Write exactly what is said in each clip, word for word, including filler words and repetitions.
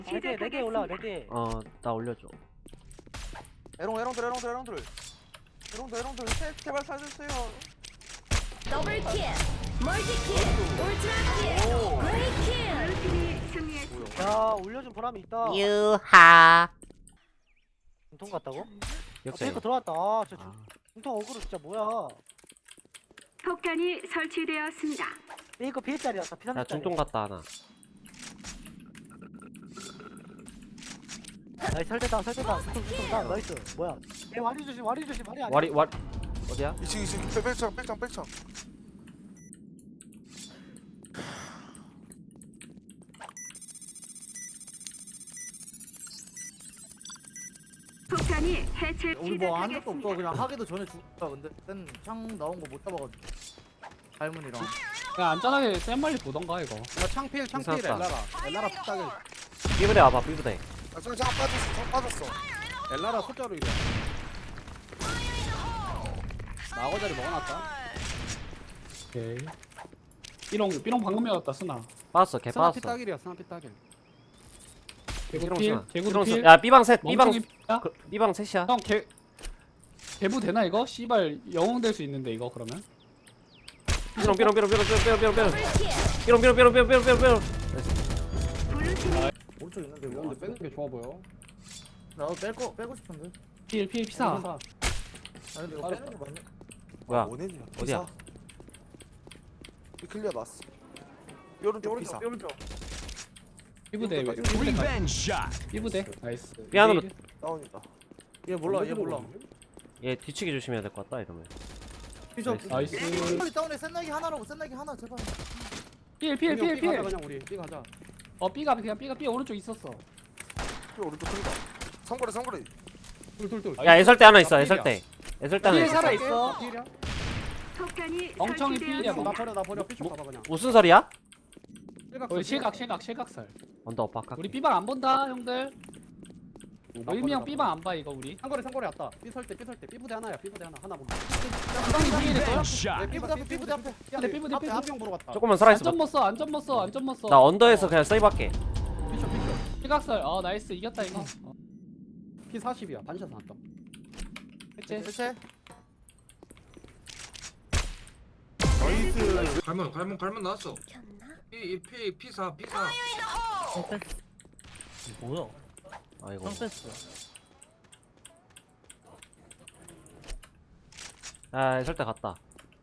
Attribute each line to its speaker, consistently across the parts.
Speaker 1: 네개 네 개 올라와 네개.
Speaker 2: 어 나 올려줘.
Speaker 3: 에롱 에롱들 에롱들 에롱들 에롱들 에롱들 셋 제발 살려주세요.
Speaker 4: 더블 킬, 멀티 킬, 울트라 킬, 레이 킬. 블루팀이 승리했습니다.
Speaker 1: 야 올려준 보람이 있다.
Speaker 2: 유하.
Speaker 1: 중통 같다고?
Speaker 2: 역시.
Speaker 1: 페이커 들어왔다. 아, 저
Speaker 2: 아,
Speaker 1: 중통 어그로 진짜 뭐야?
Speaker 4: 폭탄이 설치되었습니다.
Speaker 1: 페이커 피해짜리였다. 피삼
Speaker 2: 야 중동 갔다 하나.
Speaker 1: 나이스 설대다 설대다. 중통 중통 나 나이스. 뭐야? 에 와리 조심 와리 조심 와리 아니야.
Speaker 2: 와리 와리 어디야?
Speaker 3: 이층 이층 백창 백창 백창.
Speaker 4: 폭탄이 해체
Speaker 5: 우리 뭐 한 적도 없어.
Speaker 4: 시작하겠습니다.
Speaker 5: 그냥 하기도 전에 죽었다. 근데 땐창 나온 거 못 잡아가지고. 갈문이랑.
Speaker 6: 그냥 안전하게 센 말리 보던가 이거.
Speaker 5: 야 창필 창필
Speaker 2: 괜찮았다.
Speaker 5: 엘라라. 엘라라 픽딱을.
Speaker 2: 삐부대 와봐 삐부대.
Speaker 3: 아저 잠깐 빠졌어 저 빠졌어.
Speaker 5: 엘라라 숫자로 이래. 나거자리 먹어놨다.
Speaker 6: 오케이. 삐롱 삐롱 방금 열었다 쓰나.
Speaker 2: 빠졌어 개
Speaker 5: 스나
Speaker 2: 빠졌어.
Speaker 5: 픽딱일이야. 스나 픽딱일.
Speaker 6: 개구
Speaker 2: 삐롱
Speaker 6: 필,
Speaker 2: 쓰나.
Speaker 6: 개구
Speaker 2: 삐롱
Speaker 6: 필.
Speaker 2: 쓰나. 야 삐방 셋 삐방
Speaker 6: 멍청이 필이야?
Speaker 2: 그, 삐방 셋이야.
Speaker 6: 형 개. 개부 되나 이거? 씨발 영웅 될 수 있는데 이거 그러면?
Speaker 2: 삐롱 삐롱 삐롱 삐롱 삐롱 삐롱 삐롱
Speaker 4: 더블 킬.
Speaker 2: 삐롱 삐롱 삐롱 삐롱 삐롱 삐롱 삐롱.
Speaker 4: 블루팀이
Speaker 5: 오른쪽 있는데
Speaker 6: 이거
Speaker 5: 뭐?
Speaker 6: 근데 빼는 게 좋아 보여.
Speaker 5: 나도 뺄거 빼고 싶은데.
Speaker 6: 필 필 피사.
Speaker 5: 아니 근데 이거 빼는 게 맞네.
Speaker 2: 뭐야?
Speaker 3: 원했냐?
Speaker 2: 어디야?
Speaker 3: 이 클리어 났어. 이 오른쪽 피사.
Speaker 5: 오른쪽 오른쪽.
Speaker 6: 삐부대 왜?
Speaker 3: 이거
Speaker 6: 삐부대 가. 삐부대. 나이스.
Speaker 2: 삐 안으로.
Speaker 3: 다운이다.
Speaker 5: 얘 몰라 얘 몰라.
Speaker 2: 얘 뒤치기 조심해야 될 것 같다 이러면.
Speaker 5: 피셔.
Speaker 6: 나이스.
Speaker 5: 빨리 다운해. 센나기 하나라고. 센나기 하나 제발.
Speaker 6: 필 필 필 필.
Speaker 5: 그냥 우리 삐 가자.
Speaker 6: 어 삐가 그냥 삐가 삐 오른쪽 있었어.
Speaker 3: 이 오른쪽 클리다. 성거리 성거리.
Speaker 5: 둘둘둘.
Speaker 2: 야 애설대 하나 있어 애설대. 애설대 하나
Speaker 6: 필
Speaker 2: 있어.
Speaker 6: 살아 있어.
Speaker 5: 필이야?
Speaker 4: 폭탄이
Speaker 6: 멍청이 필이야,
Speaker 5: 나
Speaker 4: 설치되었습니다.
Speaker 5: 버려 나 버려. 피셔 가봐 그냥.
Speaker 2: 무슨 소리야?
Speaker 6: 우리 실각 실각 실각살.
Speaker 2: 언더 엇박.
Speaker 6: 우리 삐방 안 본다 형들. 의미 형 삐방 안 봐 이거 우리.
Speaker 5: 상거리 상거리 왔다. 삐설때 삐설때 삐부대 하나야. 삐부대 하나 하나 본다.
Speaker 6: 삐방이 피해를 거야?
Speaker 5: 네, 삐부대 앞에 삐부대 앞에.
Speaker 6: 삐부대, 삐부대,
Speaker 5: 앞에
Speaker 6: 삐부대.
Speaker 5: 한명 보러 갔다.
Speaker 2: 조금만 살아 있어.
Speaker 6: 안전 못 써, 안전 못 써, 안전 못 써.
Speaker 2: 나 언더에서 그냥 세이브 할게.
Speaker 5: 피셔 피셔.
Speaker 6: 실각살. 어 나이스 이겼다 이거. 어.
Speaker 5: 피 사십이야. 반샷 나왔다.
Speaker 6: 했지?
Speaker 5: 대체.
Speaker 3: 나이스.
Speaker 7: 갈문 갈문 갈문 나왔어. 피 피 피사 피사.
Speaker 1: 뭐야?
Speaker 2: 아이고.
Speaker 1: 뺐어.
Speaker 2: 아 애설대 갔다.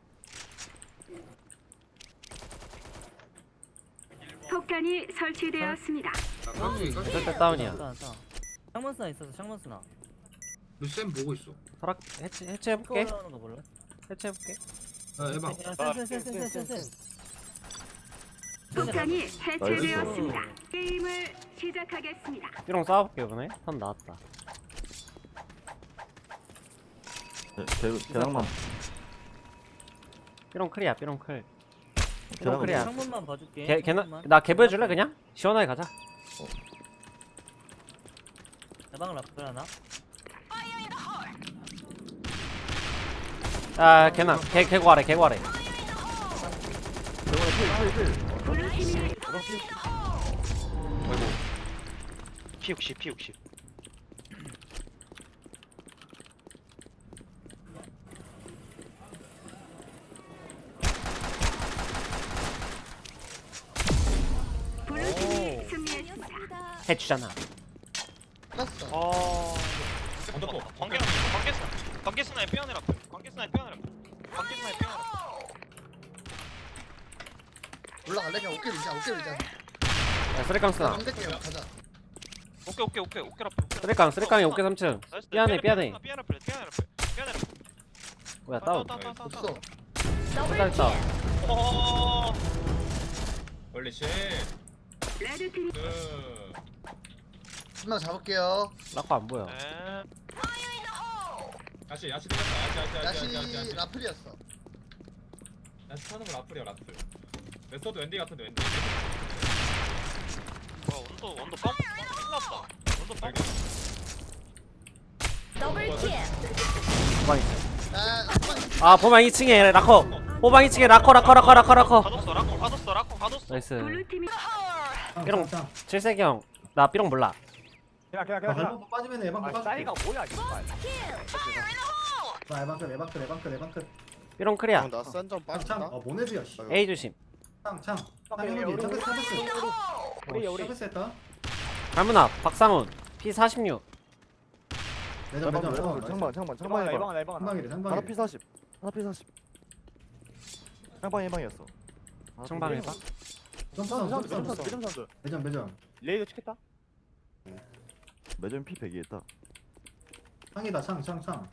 Speaker 4: 폭탄이 설치되었습니다.
Speaker 7: 깍두기 깍두기.
Speaker 2: 애설대 다운이야.
Speaker 1: 창문스나 있어서 창문스나.
Speaker 7: 쌤 보고 있어.
Speaker 2: 설악 해체 해체 해볼게.
Speaker 1: 올라오는 거 몰라?
Speaker 2: 해체 해볼게.
Speaker 7: 아 해봐.
Speaker 1: 센센센센센센.
Speaker 4: 폭탄이 해체되었습니다. 게임을 시작하겠습니다.
Speaker 2: 삐롱 싸워볼게 이번에. 선 나왔다.
Speaker 8: 대장만
Speaker 2: 삐롱 클이야 삐롱 클. 삐롱 클이야.
Speaker 1: 창문만 봐줄게.
Speaker 2: 걔 걔나 나 개부 해줄래 그냥? 시원하게 가자.
Speaker 1: 대방 라플 하나?
Speaker 2: 아 걔나 개 개고 아래 개고 아래.
Speaker 4: 블루팀이
Speaker 9: 피 육십 피 육십
Speaker 4: 블루팀이 승리했습니다.
Speaker 2: 해주잖아.
Speaker 9: 어... 언더포 관계나 관계스나 관계스나의 빼어내라 관계스나의 빼어내라 관계스나의 빼어내라
Speaker 10: 올라갈래? 그냥 어깨 밀자 어깨 밀자
Speaker 2: 야 쓰레깡 쓰나.
Speaker 10: 안될게요 가자.
Speaker 9: 오케이 오케이 오케이 오케이 라플
Speaker 2: 쓰레깡 쓰레깡이 오케이 삼 층. 삐안해 삐안해.
Speaker 9: 삐안해 삐안해 삐안해 삐안해
Speaker 2: 뭐야 다운.
Speaker 10: 없어.
Speaker 2: 일단 다운.
Speaker 9: 어
Speaker 7: 원래 씨.
Speaker 4: 레드팀이
Speaker 7: 그
Speaker 10: 한명 잡을게요.
Speaker 2: 라커 안 보여.
Speaker 9: 네
Speaker 7: 야시 야시 들렸다. 야시 야시 야시 야시
Speaker 10: 야시
Speaker 7: 야시.
Speaker 10: 라플이었어.
Speaker 7: 야시 타는 거 라플이야 라플. 메소드 웬디 같은데 웬디.
Speaker 9: 와 원더 원더 ปั๊ 끝났다 원더 ปั๊
Speaker 4: 더블 킬.
Speaker 2: 호방 있어.
Speaker 10: 아,
Speaker 2: 아 보방 이 층에 라커. 호방 이 층에 라커 라커 라커 라커 라커.
Speaker 9: 가뒀어 라코 가뒀어 라코 가뒀어
Speaker 2: 나이스.
Speaker 4: 블루팀이
Speaker 2: 삐롱 칠색이 형 나 삐롱 몰라.
Speaker 1: 그냥 그냥
Speaker 5: 아,
Speaker 1: 그냥 그냥
Speaker 5: 발목 빠지면 에방
Speaker 1: 아
Speaker 5: 빠질게.
Speaker 1: 싸이가 뭐야 이발
Speaker 5: 나 에방 끝 에방 끝 에방 끝 에방 끝.
Speaker 2: 삐롱 크리야.
Speaker 10: 나 싼점
Speaker 5: 창 창. 어 모네드야 씨.
Speaker 2: A 조심.
Speaker 5: 창 창.
Speaker 1: 오케이,
Speaker 5: 창
Speaker 1: 우리,
Speaker 5: 현욱이
Speaker 1: 우리,
Speaker 5: 서비스 서비스.
Speaker 1: 우리 우리
Speaker 5: 서비스 했다.
Speaker 2: 갈문아 박상훈 피 사십육.
Speaker 5: 매점 매점 매점.
Speaker 3: 창방 창방
Speaker 1: 창방아
Speaker 3: 창방 해봐.
Speaker 1: 예방아 예방아
Speaker 5: 한방이래
Speaker 3: 하나
Speaker 5: 한방이.
Speaker 3: 피 사십 하나 피 사십 창방 예방이었어
Speaker 2: 청방 해봐.
Speaker 5: 점프
Speaker 1: 선수
Speaker 5: 선수
Speaker 1: 선수
Speaker 5: 점프
Speaker 1: 선수
Speaker 5: 선수.
Speaker 1: 매점 선수
Speaker 5: 매점 매점.
Speaker 1: 레이더 찍겠다
Speaker 3: 매점 피 백이 했다
Speaker 5: 창이다 창 창 창.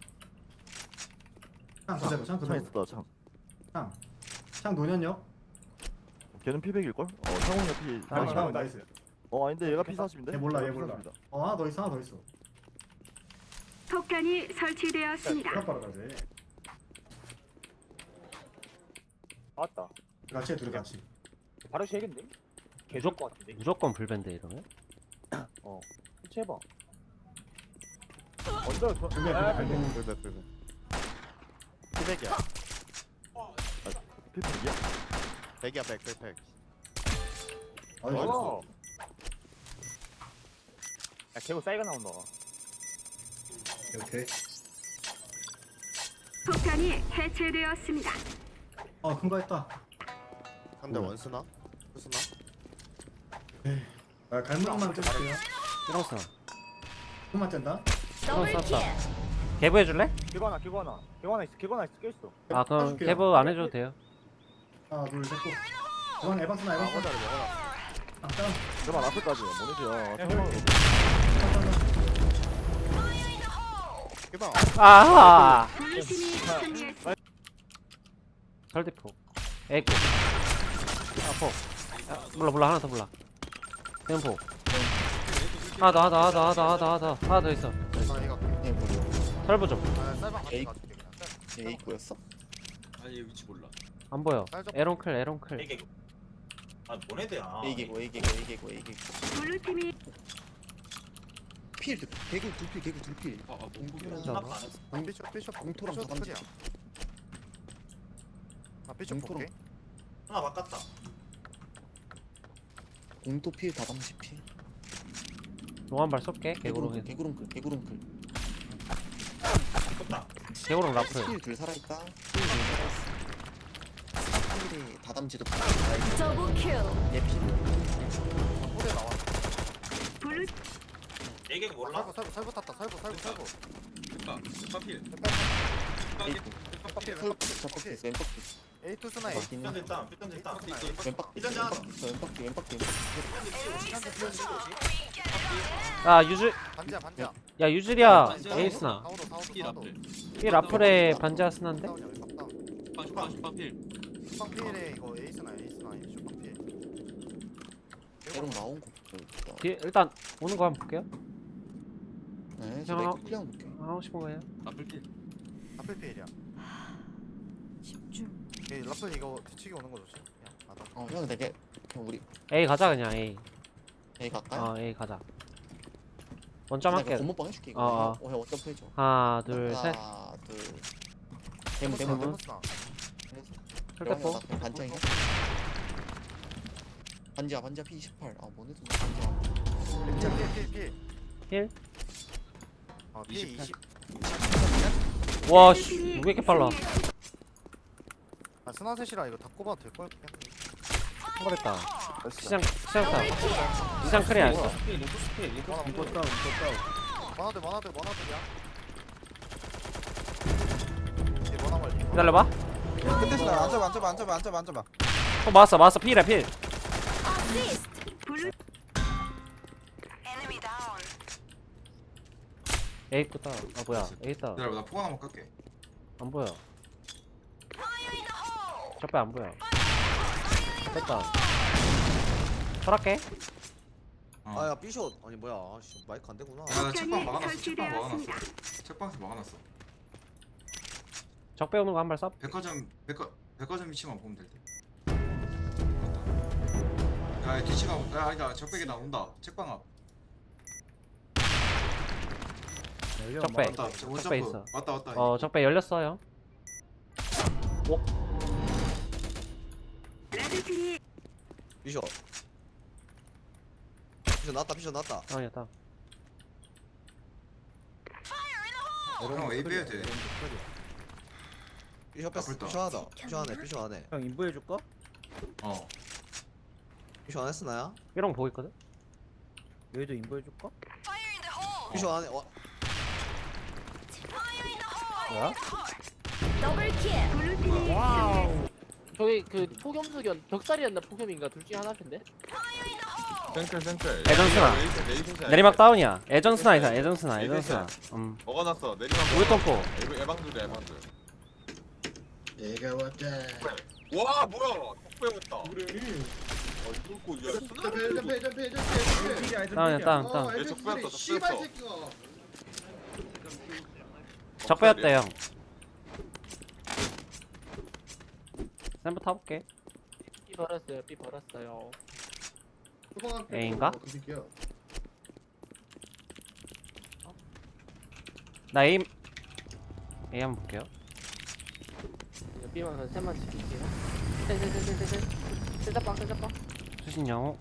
Speaker 5: 창 그대로 창
Speaker 3: 창
Speaker 5: 그대로.
Speaker 3: 있었다 창
Speaker 5: 창. 창 노년역.
Speaker 3: 걔는 피 백일걸? 어 창훈이가 피
Speaker 5: 아,
Speaker 1: 나이스,
Speaker 5: 창
Speaker 1: 나이스.
Speaker 5: 나이스.
Speaker 3: 어 아닌데 얘가 피 사십인데?
Speaker 5: 얘 몰라 얘 몰라. 어 하나 더 있어 하나 더 있어.
Speaker 4: 폭탄이 설치되었습니다.
Speaker 5: 바로 가지.
Speaker 1: 맞다
Speaker 5: 같이 해 둘이 같이.
Speaker 1: 바로 시작인데 개좋을 것 같은데
Speaker 2: 무조건 불밴드 이러면.
Speaker 1: 해봐 언더 저
Speaker 5: 불배
Speaker 1: 아,
Speaker 5: 불배 불배.
Speaker 10: 불배 불배.
Speaker 3: 피 백이야 피 백이야?
Speaker 10: 백이야 백 백 백.
Speaker 5: 어이
Speaker 1: 어. 야 개고 싸이가 나온다
Speaker 5: 오케이.
Speaker 4: 폭탄이 해체되었습니다.
Speaker 5: 어큰 거 했다.
Speaker 10: 한대 원스나? 투스나?
Speaker 5: 아 갈무리만 뜯을게요.
Speaker 2: 삐롱 쓰나.
Speaker 5: 그만 짠다.
Speaker 2: 삐롱 썼다. 개부 해줄래?
Speaker 1: 개고 하나 개고 하나 개고 하나 있어 개고 하나 있어 껴있어
Speaker 2: 아 그럼
Speaker 5: 해줄게요.
Speaker 2: 개부 안 해줘도 돼요.
Speaker 5: 하나 둘 셋 고. 그만 에방 쓰나 에방 쓰나.
Speaker 3: 먹어라 먹어라
Speaker 5: 아 짠.
Speaker 3: 그만 앞에까지 모네드야 창훈
Speaker 10: 해봐.
Speaker 2: 아하.
Speaker 4: 블루팀이 승리했습니다.
Speaker 2: 설대포. 에이코. 아포. 아, 몰라 몰라 하나 더 몰라. 대포. 하나 더 하나 더 하나 더 하나 더 하나 더 하나 더 하나 더 있어.
Speaker 10: 나 이거 얘 뭐야?
Speaker 2: 설부 좀.
Speaker 10: 아 쌀방 같이 가줄게 그냥. 얘 입구였어?
Speaker 7: 아니 얘 위치 몰라.
Speaker 2: 안 보여.
Speaker 10: 쌀좀.
Speaker 2: 에론클 에론클.
Speaker 9: 이게 아 모네드야.
Speaker 10: A개고 A개고 A개고 A개고.
Speaker 4: 블루팀이
Speaker 10: 필 개구 둘필 개구 둘필.
Speaker 7: 아아 공국이라.
Speaker 2: 자,
Speaker 9: 안 했어.
Speaker 10: 삐숍 삐숍 봉토랑 다단지. 아 삐숍 볼게.
Speaker 9: 하나 바꿨다.
Speaker 8: 공도 필 다담시 필
Speaker 2: 용한발 쏠게. 개구롱
Speaker 8: 개구름클
Speaker 2: 해.
Speaker 8: 개구름클 개구름클
Speaker 9: 바꿨다.
Speaker 2: 개구롱 라플.
Speaker 8: 필둘 살아있다 필둘 살아있어 필이 다담지도 필
Speaker 4: 더블 킬.
Speaker 8: 얘필
Speaker 10: 포대 나와.
Speaker 4: 블루
Speaker 9: 얘기 몰라?
Speaker 10: 살부 살부 살부 탔다. 살부 살부 살부.
Speaker 7: 됐다. 됐다 필.
Speaker 8: 왼박 있어 왼박 있어
Speaker 10: A 투 스나 A.
Speaker 8: 왼박 있는
Speaker 9: 삐전 됐다. 삐전 됐다.
Speaker 8: 왼박
Speaker 9: 이전자.
Speaker 8: 왼박 있어 왼박 왼박 있어
Speaker 2: 야 유즈.
Speaker 10: 반지야 반지야.
Speaker 2: 야 유즈리야. 에이스나.
Speaker 10: 사오도 사오도
Speaker 7: 필
Speaker 10: 사오도.
Speaker 7: 앞에.
Speaker 2: 이 라플에 반지하스난데?
Speaker 10: 다운이야 왼박 다운.
Speaker 7: 슈파 슈파 슈파 필.
Speaker 10: 슈빵 필에 이거 에이스나 에이스나 슈빵 필.
Speaker 8: 개구름 나온 거 볼게요.
Speaker 2: 뒤에 일단 오는 거 한번 볼게요.
Speaker 8: 네 저
Speaker 2: 형,
Speaker 8: 맥 클리어 볼게요
Speaker 2: 하고 싶은 거예요?
Speaker 7: 라플 필.
Speaker 10: 라플 필이야.
Speaker 4: 집중.
Speaker 10: 이 라플 이거 뒤치기 오는 거 조심. 야 나다.
Speaker 8: 어형 되게 그냥 우리
Speaker 2: A 가자 그냥 A.
Speaker 8: A 갈까요?
Speaker 2: 어 A 가자. 원점 할게.
Speaker 8: 건모빵 해줄게 이거
Speaker 2: 어, 어.
Speaker 8: 어형 원점 해줘
Speaker 2: 하나 둘 셋.
Speaker 8: 하나 둘 대문 대문 대문
Speaker 10: 데모스나.
Speaker 2: 설대포.
Speaker 8: 반장이야 반지야 반지야 피 이십팔 아 뭐네도 반지야
Speaker 10: 필 필 필.
Speaker 2: 힐.
Speaker 10: 어, 피 이십.
Speaker 2: 와씨 왜 이렇게 빨라?
Speaker 10: 아, 스나셋이라 이거 다 꼽아도 될 걸?
Speaker 2: 터졌다. 시장 시장타. 시장 크리야.
Speaker 10: 이거 다운, 이거 다운. 만화들, 만화들, 만화들이야. 이게 만화 관리.
Speaker 2: 기다려봐.
Speaker 3: 끝에 스나 앉아봐 앉아봐 앉아봐 앉아봐 앉아봐
Speaker 2: 어 맞았어 맞았어 필이야 필.
Speaker 4: 블루
Speaker 2: A 있다. 아 뭐야 A 있다.
Speaker 7: 기다려 나 포가 한번 깎게.
Speaker 2: 안 보여. 적배 안 보여. 됐다. 설할게.
Speaker 3: 아야 삐숏 아니 뭐야 아씨 마이크 안 되구나
Speaker 7: 야나 책방
Speaker 4: 폭탄이
Speaker 7: 막아놨어. 책방 막아놨어.
Speaker 4: 설치되었습니다.
Speaker 7: 책방에서 막아놨어.
Speaker 2: 적배 오는 거 한 발 쏴.
Speaker 7: 백화점 백화 백화점 위치만 보면 될 듯. 야 뒤치가 야 아니다 적백에 나온다. 책방 앞.
Speaker 2: 적배.
Speaker 7: 맞다.
Speaker 2: 적배
Speaker 7: 원점프.
Speaker 2: 있어.
Speaker 7: 맞다 맞다.
Speaker 2: 어 적배 열렸어요.
Speaker 4: 레드팀이
Speaker 3: 삐숏 피셔 나왔다 피셔 나왔다.
Speaker 2: 다운이야 다운.
Speaker 10: 형 A 빼야 돼.
Speaker 3: 피셔 뺐어.
Speaker 10: 나쁠다.
Speaker 3: 피셔 하다. 피셔 하네 피셔 하네.
Speaker 1: 형 인부해줄까?
Speaker 10: 어.
Speaker 3: 피셔 안 했어 나야?
Speaker 2: 삐롱 보고 있거든.
Speaker 1: 여기도 인부해줄까?
Speaker 3: 피셔 안해. 와.
Speaker 2: 뭐야?
Speaker 4: 블루팀이
Speaker 5: 와우. 저기 그 폭염수견 벽살이었나 폭염인가 둘 중에 하나인데.
Speaker 10: 센클 센클.
Speaker 2: 애전스나.
Speaker 10: 내리막
Speaker 2: 내리막 다운이야. 애전스나 이상 애전스나 애전스나. 음.
Speaker 10: 먹어놨어. 내리막.
Speaker 2: 우유 똥꼬.
Speaker 10: 에방들이 에방들.
Speaker 8: 얘가 왔다.
Speaker 10: 와 뭐야? 톡배 왔다. 그래. 어 뚫고 야.
Speaker 8: 점프 점프 점프 점프.
Speaker 2: 다운이야 다운 다운.
Speaker 10: 얘 촉배였어 촉배였어.
Speaker 2: 적배였대 형. 샘플 타볼게.
Speaker 5: 삐 버렸어요. 삐 버렸어요.
Speaker 2: A인가? 나 A A 한번 볼게요.
Speaker 5: 삐만 한 셋만 지킬게요. 셋셋셋셋셋. 셋자빵 셋자빵.
Speaker 2: 수신 영호.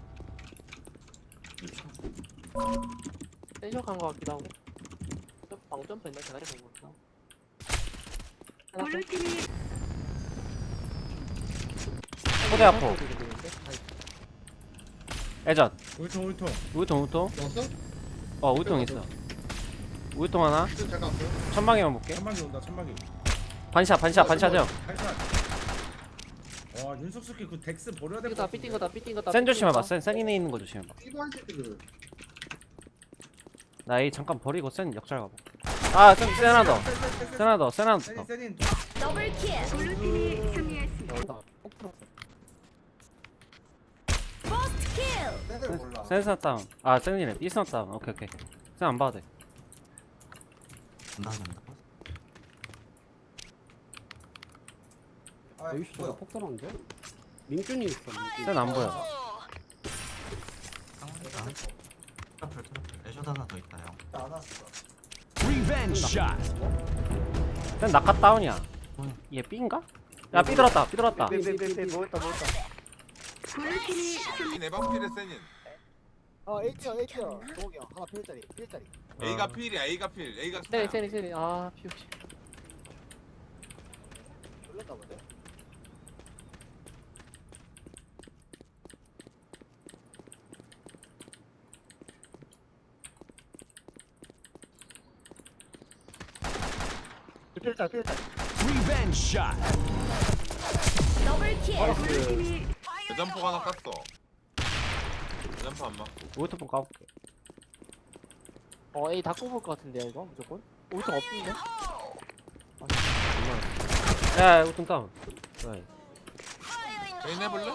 Speaker 5: 센쇼한 거 같기도 하고. 방점프 있나 대가리 본 거. 하나 더.
Speaker 4: 블루팀이
Speaker 2: 포대 아포. 애전.
Speaker 10: 울통 울통.
Speaker 2: 우유통 우유통.
Speaker 8: 넣었어?
Speaker 2: 어 우유통 있어. 우유통 하나.
Speaker 8: 잠깐 없어.
Speaker 2: 천방에만 볼게.
Speaker 10: 천막이 온다 천막이.
Speaker 2: 반샷 반샷 반샷 형.
Speaker 10: 와 윤석스키 그 덱스 버려야
Speaker 5: 삐 거다 삐띵 거다 삐띵 거다.
Speaker 2: 센 조심해봐. 센 센이네 있는 거 조심해봐.
Speaker 8: 이거 한 새끼들.
Speaker 2: 나 A 잠깐 버리고 센 역잘 가봐. 아, 센, 센 하나 더. 센 하나 더. 센 하나 더.
Speaker 10: 세닌.
Speaker 4: 블루팀이 승리했습니다.
Speaker 2: 센 스나 다운. 아, 센이네. B 스나 다운. 오케이, 오케이. 센 안 봐도 돼.
Speaker 3: 여기 뭐야?
Speaker 6: 폭 들어온데? 민준이 있어. 민준이.
Speaker 2: 센 안 보여.
Speaker 3: 안 왔어.
Speaker 2: 센 낙하 다운이야. 얘 B인가? 야, B 들었다. B 들었다.
Speaker 1: 삐삐삐삐 뭐였다 뭐였다.
Speaker 4: 블루팀이 승리.
Speaker 10: 에방필의 세닌.
Speaker 1: 어 H형 H형 동욱이 형 하나 필짜리 필짜리.
Speaker 10: A가 필이야 A가 필. A가
Speaker 5: 세리 세리 세리. 아 피우시.
Speaker 1: 놀랬다 본데. 필짜리 필짜리.
Speaker 4: 블루팀이
Speaker 10: 대점포 하나 깠어. 대점포 안 맞고.
Speaker 2: 우유통 까볼게.
Speaker 5: 어 A 다 꼽을 것 같은데요 이거 무조건. 오점 없는데?
Speaker 2: 야, 우유통 다운. 좋아해.
Speaker 10: 개인 해볼래?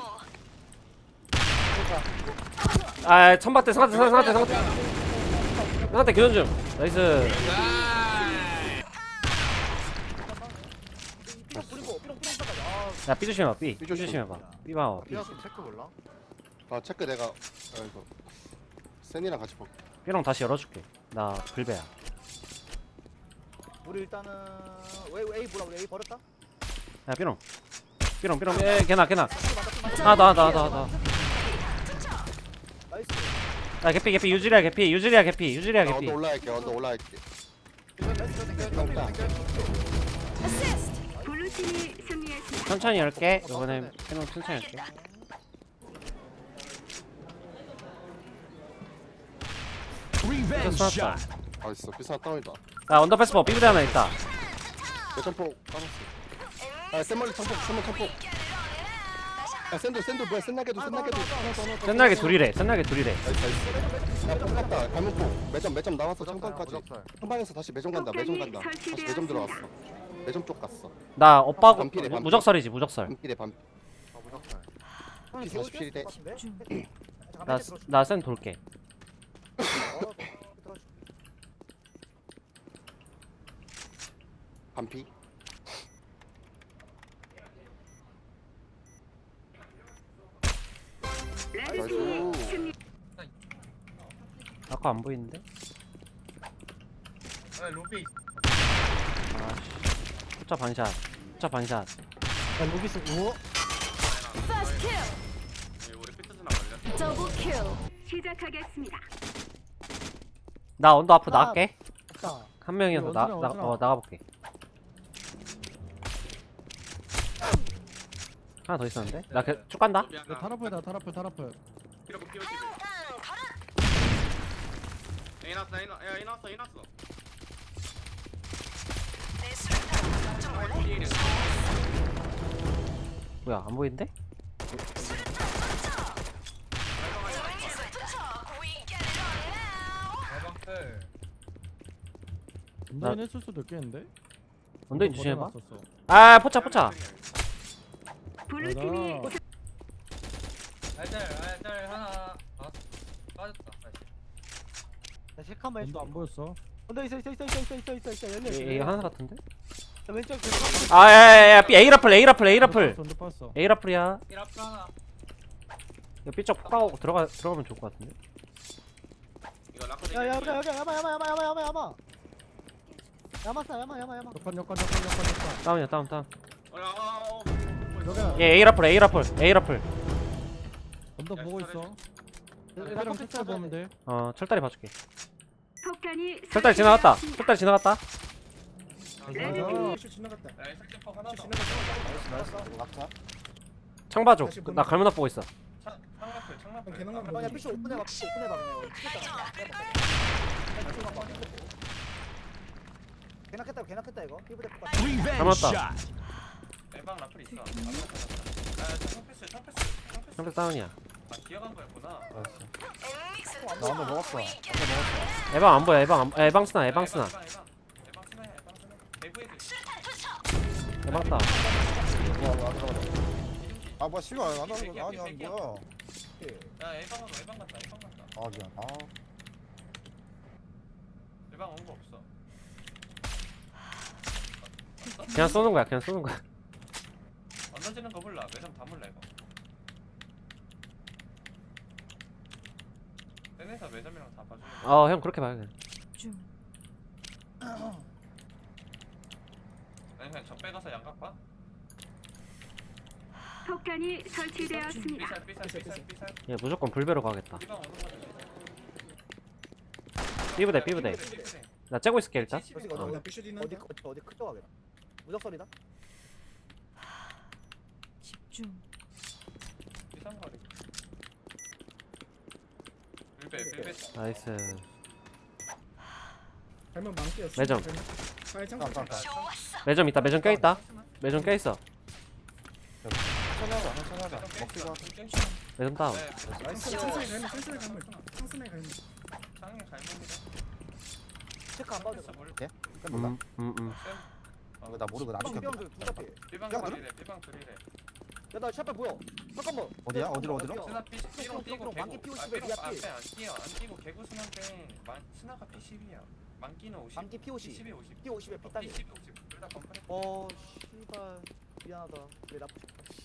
Speaker 2: 아, 천박대, 상한대, 상한대, 상한대. 상한대 교전 중. 나이스.
Speaker 1: 삐롱 뿌리고 삐롱 삐롱 까지. 아
Speaker 2: 야, B 조심해봐. B. B 조심해봐. B 봐. B.
Speaker 1: 삐롱 체크 몰라?
Speaker 8: 아 체크 내가 아이고. 센이랑 같이 볼게.
Speaker 2: B랑 다시 열어줄게. 나 불배야.
Speaker 1: 우리 일단은 왜 A 뭐라 우리 A 버렸다?
Speaker 2: 야, B롱. B롱, B롱. 에, 걔나, 걔나. 아, 나, 나, 나, 나.
Speaker 1: 나이스.
Speaker 2: 야, 개피, 개피. 유지리야, 개피. 유지리야, 개피. 유지리야,
Speaker 8: 나
Speaker 2: 개피.
Speaker 8: 언더 올라갈게. 언더 올라갈게.
Speaker 4: 블루팀이 승리했습니다.
Speaker 2: 천천히 열게. 이번에 해놓은 천천히 열게. 쏘았다.
Speaker 8: 아 있어. 비싼 다운이다.
Speaker 2: 야, 언더패스 버 삐부대 하나 있다.
Speaker 8: 내 점포 까놨어. 아 센멀리 점포 센멀 점포. 야 센도 센도 뭐야 센나게도 센나게도.
Speaker 2: 센날개 둘이래. 센날개 둘이래.
Speaker 8: 나이스 나이스. 야 폭갔다. 가면포. 매점 매점 나왔어. 청방까지.
Speaker 1: 무적살.
Speaker 8: 청방에서 다시 매점 간다. 매점 간다. 다시 매점 들어갔어. 매점 쪽 갔어.
Speaker 2: 나 오빠고
Speaker 8: 반필해, 반필.
Speaker 2: 무적설이지, 무적설.
Speaker 8: 반필에 반.
Speaker 1: 아 무적살.
Speaker 8: 피 사십칠 대.
Speaker 2: 나 나 센 돌게.
Speaker 8: 반피.
Speaker 4: 레드팀이
Speaker 8: 나이스.
Speaker 4: 승리.
Speaker 2: 아까 안 보이는데?
Speaker 7: 아 로비.
Speaker 2: 아씨. 숫자 반샷. 숫자 반샷.
Speaker 1: 야 루비스 오.
Speaker 9: 우리 피트스나 걸려.
Speaker 4: 시작하겠습니다.
Speaker 2: 나 언더 앞으로
Speaker 1: 아.
Speaker 2: 나갈게.
Speaker 1: 없다.
Speaker 2: 한 명이어서 나,
Speaker 1: 원준아,
Speaker 2: 나,
Speaker 1: 원준아.
Speaker 2: 어, 나가볼게. 하나 더 있었는데? 나 그, 쭉 간다?
Speaker 10: 타라플다 타라플 타라플 피로 피로 에이 났어 에이 났어 에이 났어 에이 났어
Speaker 2: 뭐야, 안 보이는데?
Speaker 7: 대방클.
Speaker 2: 나-
Speaker 8: 운전은 했을 수도 있겠는데?
Speaker 2: 언더인 조심해봐.
Speaker 8: 버텨놨었어.
Speaker 2: 아, 포차, 포차.
Speaker 4: 블루팀이
Speaker 8: 맞아.
Speaker 7: 알짤 알짤 하나. 아 빠졌다.
Speaker 1: 나 체크 한번
Speaker 8: 운도
Speaker 1: 해줘.
Speaker 8: 안 보였어.
Speaker 1: 언더 있어 있어 있어 있어 있어 있어 있어 있어 열려 있어.
Speaker 2: 얘, 얘 하나 같은데?
Speaker 1: 나 왼쪽 그
Speaker 2: 아, 야, 야, 야, B, A 라플, A 라플, A 라플.
Speaker 8: 운도 빠졌어.
Speaker 2: A 라플이야.
Speaker 7: 일 앞 하나.
Speaker 2: 이거 B쪽 폭가고 들어가, 들어가면 좋을 것 같은데?
Speaker 10: 이거 라커
Speaker 1: 야야 여기 여기 야마 야마 야마 야마 야마 야마. 야마싸 야마 야마 야마.
Speaker 8: 역한 역한 역한 역한 역한.
Speaker 2: 다운이야, 다운, 다운.
Speaker 10: 어어
Speaker 8: 여기야.
Speaker 2: 얘 A 라플, A 라플, A 라플.
Speaker 8: 운도
Speaker 10: 야,
Speaker 8: 보고
Speaker 10: 잘해.
Speaker 8: 있어. 얘랑 색깔 보면 돼.
Speaker 2: 어, 철다리 봐줄게.
Speaker 4: 폭탄이
Speaker 2: 철다리 지나갔다.
Speaker 4: 설치되었습니다.
Speaker 2: 철다리 지나갔다.
Speaker 4: 레드팀이
Speaker 10: 지나갔다
Speaker 7: 야 설정폭 하나 더.
Speaker 3: 나이스 나이스 낙차.
Speaker 2: 창 봐줘. 나 갈문 앞 보고 있어.
Speaker 7: 창라플 창라플.
Speaker 3: 그냥 피쇼 오픈해봐 피쇼 오픈해봐 그냥 개나 깼다 개나 깼다 이거 피부대 똑같아.
Speaker 2: 갈문았다.
Speaker 7: 대방 라플 있어. 아 청패스 청패스 청패스.
Speaker 2: 창패 다운이야.
Speaker 7: 아 기어간 거였구나.
Speaker 3: 나 한번 먹었어.
Speaker 2: 에방 안 보여, 에방 안, 에방 스나, 에방 스나.
Speaker 7: 에방 에방 에방 스나 에방 스나. 에브에드.
Speaker 2: 에방 다운.
Speaker 3: 아 뭐야 씨발 안 하는 거 아니야 뭐야.
Speaker 7: 야 에방 하고 에방 갔다 에방 갔다.
Speaker 3: 아 미안. 아
Speaker 7: 에방 온 거 없어.
Speaker 2: 그냥 쏘는 거야, 그냥 쏘는 거야.
Speaker 7: 안 던지는 거 몰라. 매점 다 몰라 이거. 땡에서 매점이랑 다 봐주는 거.
Speaker 2: 어, 형 그렇게 봐요, 그냥.
Speaker 7: 아니 그냥 적배 가서 양각 봐.
Speaker 4: 폭탄이 설치되었습니다.
Speaker 7: 삐살 삐살 삐살 삐살.
Speaker 2: 얘 무조건 불배로 가겠다.
Speaker 7: 이방 오는 거 같아.
Speaker 2: 삐부대, 삐부대. 나 째고 있을게, 일단.
Speaker 3: 어디 어디 어디 어디 어디 크죠 하게. 무적설이다.
Speaker 7: 삐상거리. 불배 불배.
Speaker 2: 나이스.
Speaker 10: 할만 망치였어
Speaker 2: 매점.
Speaker 3: 잠깐
Speaker 2: 매점 있다, 매점 껴있다. 매점 껴있어.
Speaker 3: 천천히 하자 천천히 하자. 먹기가.
Speaker 2: 매점 다운.
Speaker 3: 나이스.
Speaker 10: 천천히 갈면 천천히 갈면 천천히 갈면
Speaker 7: 창에 갈문이다.
Speaker 3: 체크 안 봐도 돼?
Speaker 2: 음, 음, 음.
Speaker 3: 아, 나 모르고 나 시켰다.
Speaker 7: 삐방
Speaker 3: 야,
Speaker 7: 둘이래 삐방 둘이래.
Speaker 3: 야나 샷발 보여. 잠깐만. 어디야? 어디로 어디로?
Speaker 7: 스나 피 삐롱 뛰고
Speaker 3: 망기
Speaker 7: 개구.
Speaker 3: 피오십에
Speaker 7: 아 삐롱
Speaker 3: 미야, 피.
Speaker 7: 앞에 안 뛰어 안 뛰고 개구 스나인데 만 스나가 피 십이야. 만기는 오십.
Speaker 3: 망기 피 오십.
Speaker 7: 십이 오십.
Speaker 3: 피 오십에 피 따기.
Speaker 7: 피 십이 오십. 둘다 컴플레.
Speaker 3: 어 씨발 미안하다. 내 나쁘.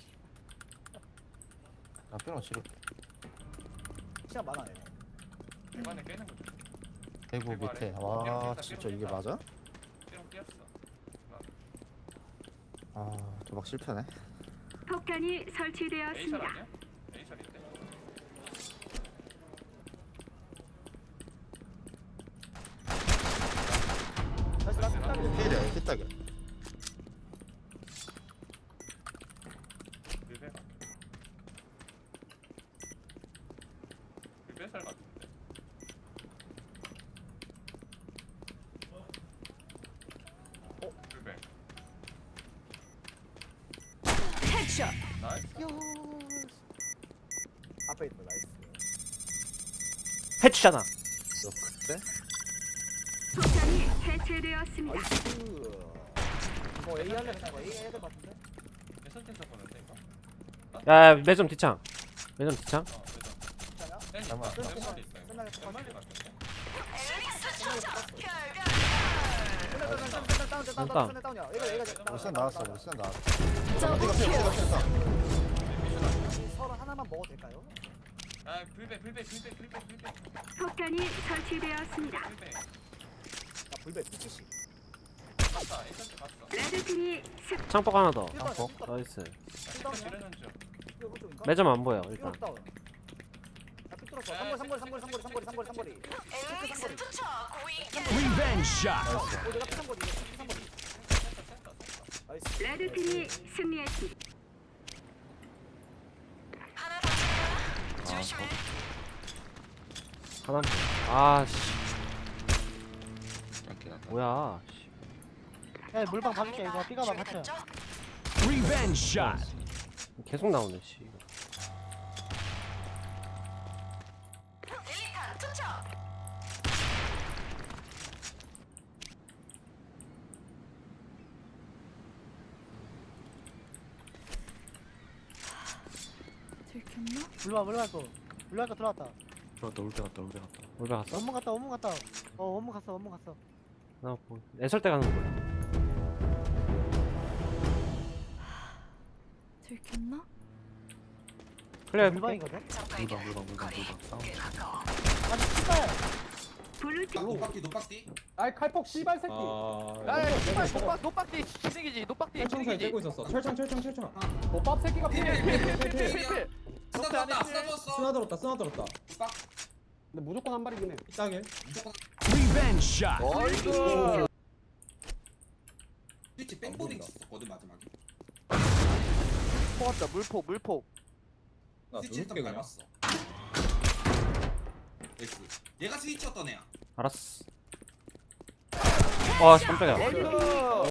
Speaker 3: 나 뼈는 지금 시간 많아 얘네.
Speaker 7: 대만에 깨는 거지.
Speaker 3: 대구 밑에. 와 진짜 이게 맞아?
Speaker 7: 삐롱 뛰었어.
Speaker 3: 아 도박 실패네.
Speaker 4: 폭탄이
Speaker 7: 에이설
Speaker 4: 설치되었습니다.
Speaker 7: 아니야? 에이설인데.
Speaker 3: 나이스 나이스 따기. 피해 피따기.
Speaker 7: 밀배가. 밀배살 같은데. 어? 밀배. 나이스.
Speaker 3: 앞에 있다 나이스.
Speaker 2: 해주잖아.
Speaker 3: 너 그때?
Speaker 4: 폭탄이 해체되었습니다.
Speaker 3: 나이스. 이거 A 할래 그냥 A 해야 될 것 같은데?
Speaker 7: 에선텐서 보는데 이거?
Speaker 2: 야, 야, 매점 뒤창. 매점 뒤창.
Speaker 7: 어,
Speaker 3: 괜찮아?
Speaker 7: 매점.
Speaker 3: 잠깐만.
Speaker 7: 몇 마리 있어요?
Speaker 3: 끝나게
Speaker 7: 몇 마리 같은데?
Speaker 3: 다운 다운이야. 얘가 얘가
Speaker 10: 울산 나왔어 울산 나왔어
Speaker 3: 어디가 피 어디가 피 서로 하나만 먹어도 될까요?
Speaker 7: 아, 불배, 불배, 불배, 불배, 불배.
Speaker 4: 폭탄이 설치되었습니다.
Speaker 7: 불배.
Speaker 3: 나 불배 피치씨.
Speaker 7: 갔다. 에이전트 갔어.
Speaker 4: 레드팀이 승.
Speaker 2: 창폭 하나 더.
Speaker 3: 창폭.
Speaker 2: 나이스.
Speaker 7: 아, 지르는 중.
Speaker 2: 매점 안 보여, 일단.
Speaker 1: 뚫었어. 삼거리 삼거리 삼거리 삼거리 삼거리 삼거리 삼거리. 체크 삼거리.
Speaker 11: 리벤지 샷.
Speaker 1: 어 내가 피 삼거리 이거 피 삼거리. 나이스.
Speaker 4: 레드팀이 승리했습니다.
Speaker 2: 하나 아씨 뭐야 씨.
Speaker 1: 야 물방 봐줄게 이거 삐가봐 같이.
Speaker 11: 리벤지 샷.
Speaker 2: 계속 나오네 씨
Speaker 12: 들켰나?
Speaker 1: 물방 물방 거. 물방 거 들어왔다.
Speaker 8: 들어갔다 올 때 갔다 올 때 갔다.
Speaker 2: 올베 갔어?
Speaker 1: 원문 갔다 원문 갔다. 어 원문 갔어 원문 갔어.
Speaker 2: 나 뭐, 애설 때 가는 거야
Speaker 12: 들켰나?
Speaker 2: 그래
Speaker 1: 물방이거든.
Speaker 8: 물방 물방 물방 물방 싸움.
Speaker 1: 아니 씨발.
Speaker 4: 블루팀
Speaker 10: 노박디 노박디.
Speaker 6: 아이 칼폭 씨발 새끼.
Speaker 3: 야야 씨발 노박 노박디 기생이지 노박디
Speaker 7: 철창사에
Speaker 3: 기생이지
Speaker 7: 떼고 있었어. 철창 철창 철창.
Speaker 6: 못밥 새끼가 피해.
Speaker 3: 필필필필
Speaker 10: 쓰나 들었다 쓰나 들었어.
Speaker 7: 쓰나 들었다 쓰나 들었다.
Speaker 6: 근데 무조건 한 발이긴 해.
Speaker 7: 이따길.
Speaker 11: 리벤지 샷.
Speaker 3: 어이구
Speaker 10: 스위치 백보딩 있었거든 마지막에.
Speaker 3: 포왔다 물폭 물폭
Speaker 7: 나
Speaker 10: 스위치
Speaker 7: 누를게
Speaker 10: 일단
Speaker 7: 그냥.
Speaker 10: 밟았어. 나이스. 얘가 스위치였던 애야.
Speaker 2: 알았어 와 깜짝이야
Speaker 3: 어이구